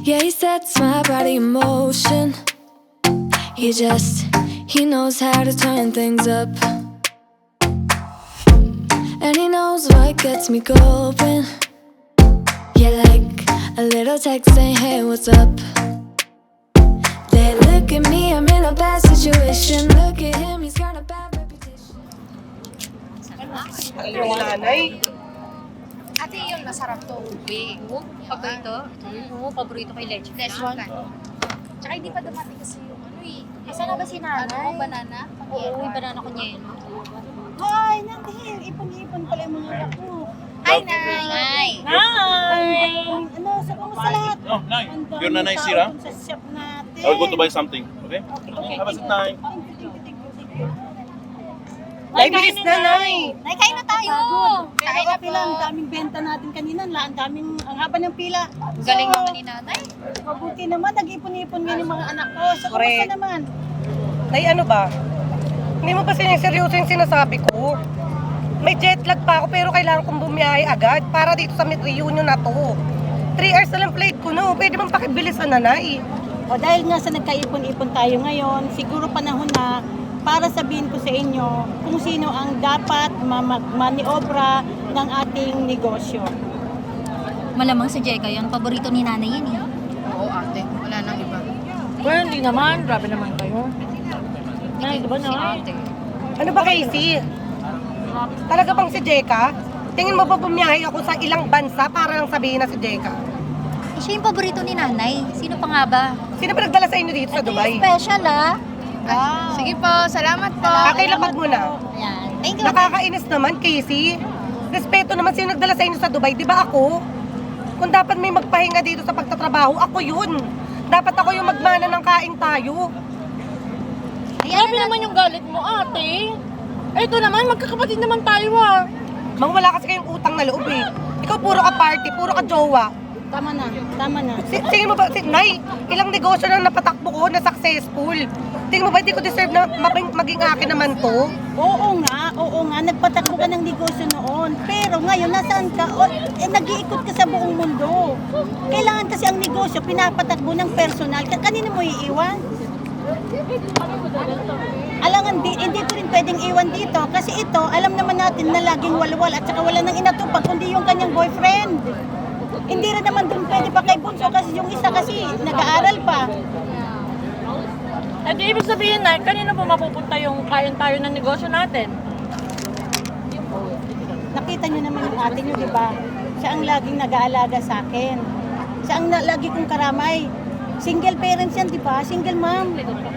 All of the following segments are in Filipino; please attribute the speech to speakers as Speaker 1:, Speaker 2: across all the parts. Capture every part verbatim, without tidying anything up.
Speaker 1: Yeah, he sets my body in motion. He just, he knows how to turn things up. And he knows what gets me going. Yeah, like a little text saying, hey, what's up? They look at me, I'm in a bad situation. Look at him, he's got a bad reputation.
Speaker 2: Yung nanay.
Speaker 3: Ate, yun, masarap to. Ube.
Speaker 4: Paborito? Oo, paborito kay Leche.
Speaker 3: This one. Tsaka hindi pa dumating kasi yung ano eh.
Speaker 4: Asan na ba si nanay?
Speaker 3: Ano, banana?
Speaker 4: Oo, yung banana ko niya.
Speaker 5: Hi, nandiyan. Ipon-ipon pala yung mga anak ko.
Speaker 3: Hi, Nay! Hi!
Speaker 5: Hi! Ano, sa kumusta lahat?
Speaker 6: Oh, Nay.
Speaker 5: Ang daming
Speaker 6: Your nanay
Speaker 5: tao
Speaker 6: Sira?
Speaker 5: dun sa shop natin.
Speaker 6: I'll go to buy something. Okay?
Speaker 5: Okay, okay.
Speaker 6: Have a seat, Nay.
Speaker 5: Thank you, thank you, thank you, thank you.
Speaker 2: Nay, bilis na, Nay.
Speaker 3: Nay, kain na tayo!
Speaker 5: Pero
Speaker 3: Kain na
Speaker 5: okay lang, ang daming benta natin kanina. Ang daming, ang haba ng pila.
Speaker 3: Galing
Speaker 5: So,
Speaker 3: naman ni Nanay.
Speaker 5: mabuti naman, nag-ipon-ipon nga yung mga anak ko. So,
Speaker 2: Correct.
Speaker 5: kumusta naman?
Speaker 2: Nay, ano ba? Hindi mo ba seryoso yung sinasabi ko? May jet lag pa ako pero kailangan kong bumiyahe agad para dito sa reunion na to. Three hours na lang flight ko, no? Pwede bang pakibilisan na, Nay?
Speaker 5: O dahil nga sa nagkaipon-ipon tayo ngayon, siguro panahon na para sabihin ko sa inyo kung sino ang dapat ma- maniobra ng ating negosyo.
Speaker 4: Malamang si Jeka yun. Paborito ni nanay yan eh.
Speaker 3: Oo, ate. Wala nang iba.
Speaker 7: Well, hindi naman. Grabe naman kayo. Nay, di ba
Speaker 3: Si
Speaker 7: na?
Speaker 3: ate.
Speaker 2: Ano ba, Casey? Talaga bang si Jeka? Tingin mo ba bumiyahe ako sa ilang bansa para lang sabihin na si Jeka?
Speaker 4: Eh, siya yung paborito ni nanay. Sino pa nga ba?
Speaker 2: Sino ba nagdala sa inyo dito sa Dubai?
Speaker 4: Special ah.
Speaker 3: Wow. Sige po, salamat po.
Speaker 2: Pakilapag mo na.
Speaker 4: Ayan. Thank you.
Speaker 2: Nakakainis naman, Casey. Respeto naman sino nagdala sa inyo sa Dubai. Di ba ako? Kung dapat may magpahinga dito sa pagtatrabaho, ako yun. Dapat ako yung magmana ng kain tayo.
Speaker 7: Grabe naman yung galit mo, ate. Eh, ito naman, magkakapatid naman tayo ah.
Speaker 2: Mang wala kasi kayong utang na loob eh. Ikaw puro ka party, puro ka jowa.
Speaker 5: Tama na, tama na.
Speaker 2: Si, tingin mo ba, si, Nay, ilang negosyo na napatakbo ko na successful. Tingin mo ba, hindi ko deserve na maging, maging akin naman to?
Speaker 5: Oo nga, oo nga, nagpatakbo ka ng negosyo noon. Pero ngayon, nasaan ka? O, eh, nag-iikot ka sa buong mundo. Kailangan kasi ang negosyo, pinapatakbo ng personal. Ka- Kanino mo iiwan? Alangan, di, hindi ko rin pwedeng iwan dito. Kasi ito, alam naman natin na laging walwal at saka wala nang inatupag, kundi yung kanyang boyfriend. Hindi rin naman dun pwede pa kay Bunso kasi yung isa kasi nag-aaral pa.
Speaker 7: Eh, di ibig sabihin na, kanina po mapupunta yung kain tayo ng negosyo natin?
Speaker 5: Nakita nyo naman yung ate nyo, di ba? Siya ang laging nag-aalaga sa akin. Siya ang na- lagi kong karamay. Single parents yan, di ba? Single mom.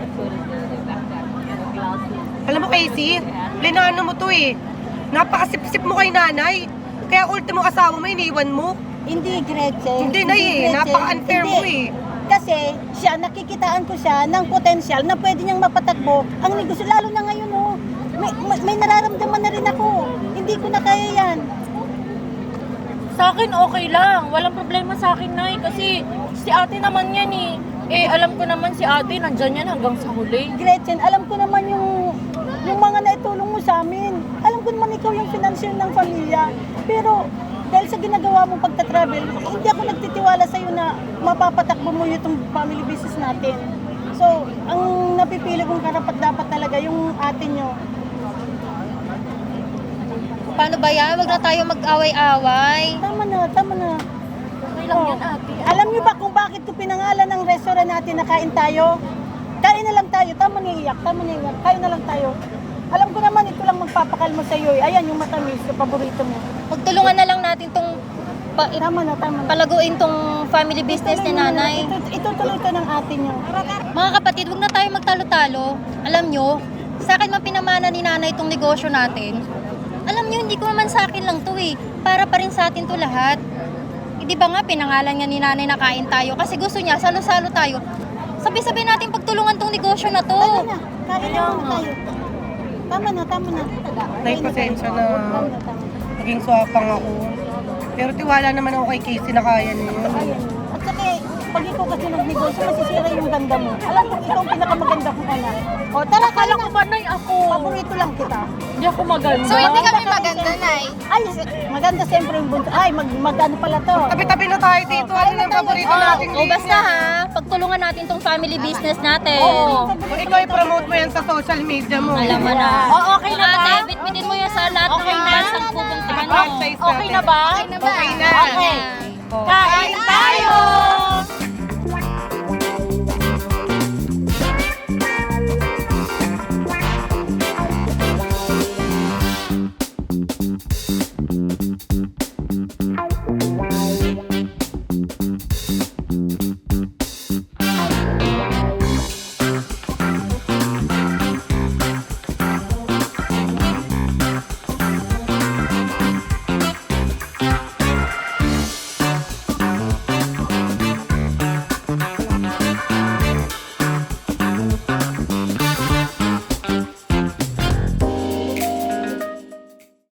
Speaker 2: Alam mo, Casey, linano mo to eh. Napakasip-sip mo kay nanay. Kaya ultimo asawa mo, iniwan mo.
Speaker 5: Hindi, Gretchen.
Speaker 2: Hindi na eh,
Speaker 5: Gretchen.
Speaker 2: napaka-unfair
Speaker 5: Hindi.
Speaker 2: mo eh.
Speaker 5: Kasi siya, nakikitaan ko siya ng potensyal na pwede niyang mapatakbo ang negosyo. Lalo na ngayon, oh. May, may, may nararamdaman na rin ako. Hindi ko na kaya yan.
Speaker 7: Sa akin, okay lang. Walang problema sa akin, Nay. Kasi si ate naman yan eh. Eh, alam ko naman si ate, nandyan yan hanggang sa huli.
Speaker 5: Gretchen, alam ko naman yung yung mga naitulong mo sa amin. Alam ko naman ikaw yung financier ng pamilya. Pero dahil sa ginagawa mong pagta-travel, hindi ako nagtitiwala sa iyo na mapapatakbo mo itong family business natin. So, ang napipili kong karapat-dapat talaga yung ate nyo.
Speaker 4: Paano ba yan? Huwag na tayo mag-away-away.
Speaker 5: Tama na, tama na.
Speaker 7: Okay lang
Speaker 5: Oh.
Speaker 7: yan, ate.
Speaker 5: Alam niyo ba kung bakit ko pinangalan ng restaurant natin na kain tayo? Kain na lang tayo, tama na iyak, tama na iyak, kain na lang tayo. Alam ko naman ito lang magpapakalmo sa iyo. Ayan yung matamis, yung paborito mo.
Speaker 4: Pagtulungan na lang natin tong pa,
Speaker 5: Tama na, tama na.
Speaker 4: palaguin tong family business ni nanay.
Speaker 5: Ito, itutuloy ito ng ate niyo.
Speaker 4: Mga kapatid, huwag na tayo magtalo-talo. Alam nyo, sa akin man pinamana ni nanay itong negosyo natin. Alam nyo, hindi ko naman sa akin lang to eh. Para pa rin sa atin to lahat. Eh, di ba nga, pinangalan niya ni nanay na kain tayo kasi gusto niya, salo-salo tayo. Sabi-sabi natin pagtulungan tong negosyo na to.
Speaker 5: Tama na, kain na muna tayo. Tama na, tama na.
Speaker 2: Nay, pasensya na. Naging swapang ako. Pero tiwala naman ako kay Casey na kaya niya yun.
Speaker 5: Ayan. At saka, pag ikaw kasi nagnegosyo, masisira yung ganda mo. Alam ko, ikaw ang pinakamaganda kong anak. O, tara,
Speaker 7: Akala
Speaker 5: kala
Speaker 7: ko
Speaker 5: ko
Speaker 7: ba, Nay, ako?
Speaker 5: paborito lang kita.
Speaker 7: Hindi ako maganda.
Speaker 3: So, hindi kami maganda, Nay.
Speaker 5: Ay, maganda siyempre yung bunso. Ay, mag, magano pala to.
Speaker 2: Tabi-tabi na tayo dito.
Speaker 5: Oh,
Speaker 2: Ano
Speaker 5: kain na
Speaker 2: naman? paborito natin
Speaker 4: O basta ha, pagtulungan natin tong family business natin.
Speaker 7: Oo.
Speaker 2: Kung ikaw i-promote mo yan sa social media mo.
Speaker 4: Alam mo na.
Speaker 7: O, okay na ba?
Speaker 4: Ate, bitbitin mo yan sa lahat
Speaker 7: Okay
Speaker 4: ng
Speaker 7: na?
Speaker 4: bansang pupuntahan mo.
Speaker 2: Franchise
Speaker 7: Okay na ba?
Speaker 2: Okay na.